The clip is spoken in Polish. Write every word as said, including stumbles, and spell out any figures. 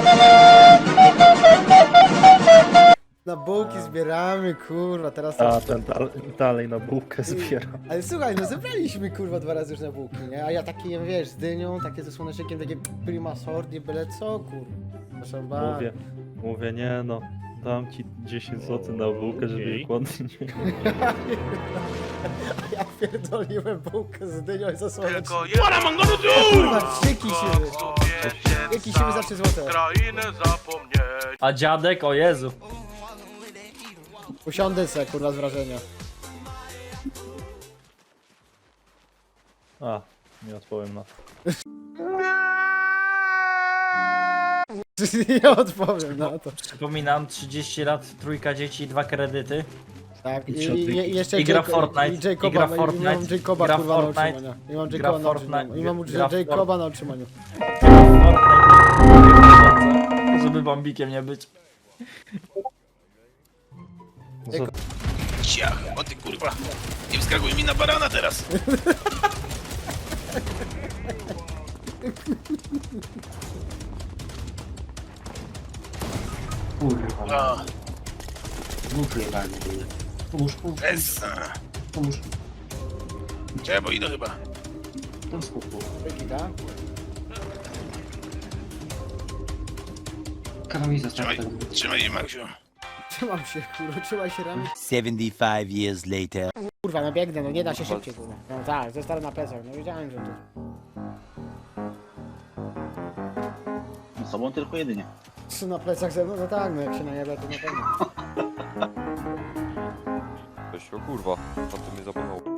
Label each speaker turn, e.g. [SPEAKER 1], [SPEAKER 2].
[SPEAKER 1] Na bułki zbieramy, kurwa, teraz...
[SPEAKER 2] A ten dal, dalej na bułkę zbiera.
[SPEAKER 1] Ale słuchaj, no zebraliśmy kurwa dwa razy już na bułki, nie? A ja taki jem, wiesz, z dynią, takie ze słonecznikiem, takie prima sort, nie byle co, kurwa. Proszę bardzo.
[SPEAKER 2] Mówię, mówię, nie no, dam ci dziesięć złotych na bułkę, żeby
[SPEAKER 3] Okej.
[SPEAKER 2] jej głodny nie...
[SPEAKER 1] A ja pierdoliłem bułkę z dynią i ze słonecznikiem.
[SPEAKER 4] Tylko jeden
[SPEAKER 1] Kurwa, trzyki siły. Trzyki siły za trzy złote.
[SPEAKER 4] krainę zapomnieć.
[SPEAKER 5] A dziadek, o Jezu.
[SPEAKER 1] Usiądę se, kurwa, z wrażenia.
[SPEAKER 2] A, nie odpowiem na to.
[SPEAKER 1] Nie odpowiem na to.
[SPEAKER 5] Przypominam, trzydzieści lat, trójka dzieci, dwa kredyty.
[SPEAKER 1] Tak, i,
[SPEAKER 2] I
[SPEAKER 1] i,
[SPEAKER 2] trzy-
[SPEAKER 1] i, i jeszcze
[SPEAKER 5] i gra
[SPEAKER 1] Jaco-
[SPEAKER 5] Fortnite,
[SPEAKER 1] i Jacoba,
[SPEAKER 5] i gra
[SPEAKER 1] i mam
[SPEAKER 5] Fortnite,
[SPEAKER 1] Jacoba,
[SPEAKER 5] i gra
[SPEAKER 1] kurwa, na
[SPEAKER 5] Fortnite,
[SPEAKER 1] utrzymania. I mam
[SPEAKER 5] gra
[SPEAKER 1] Jacoba na
[SPEAKER 5] Fortnite,
[SPEAKER 1] utrzymaniu. I mam
[SPEAKER 5] gra
[SPEAKER 1] Jacoba na utrzymaniu.
[SPEAKER 5] Fortnite, żeby bambikiem nie być.
[SPEAKER 2] Za-
[SPEAKER 3] Ciach, o ty kurwa. Nie wskakuj mi na barana teraz.
[SPEAKER 6] Kurwa,
[SPEAKER 3] A,
[SPEAKER 6] dwóch jebany. Pomóż, pomóż,
[SPEAKER 3] essa.
[SPEAKER 6] pomóż.
[SPEAKER 3] Czekaj, bo idę chyba.
[SPEAKER 6] Tam skupło.
[SPEAKER 1] Wykita.
[SPEAKER 6] Kawał za
[SPEAKER 3] Trzymaj,
[SPEAKER 6] tak.
[SPEAKER 3] trzymaj je, Maksiu.
[SPEAKER 1] Trzymam się, kurwa, trzymaj się ramię.
[SPEAKER 7] seventy-five years later.
[SPEAKER 1] Kurwa, no biegnę, no nie da się szybciej, kurwa. No tak, zostałem na plecach, no wiedziałem, że to...
[SPEAKER 8] Z sobą tylko jedynie.
[SPEAKER 1] Trzy na plecach ze mną, no tak, no jak się najebę, to na pewno.
[SPEAKER 9] Weź o kurwa, a ty mnie zapomniał.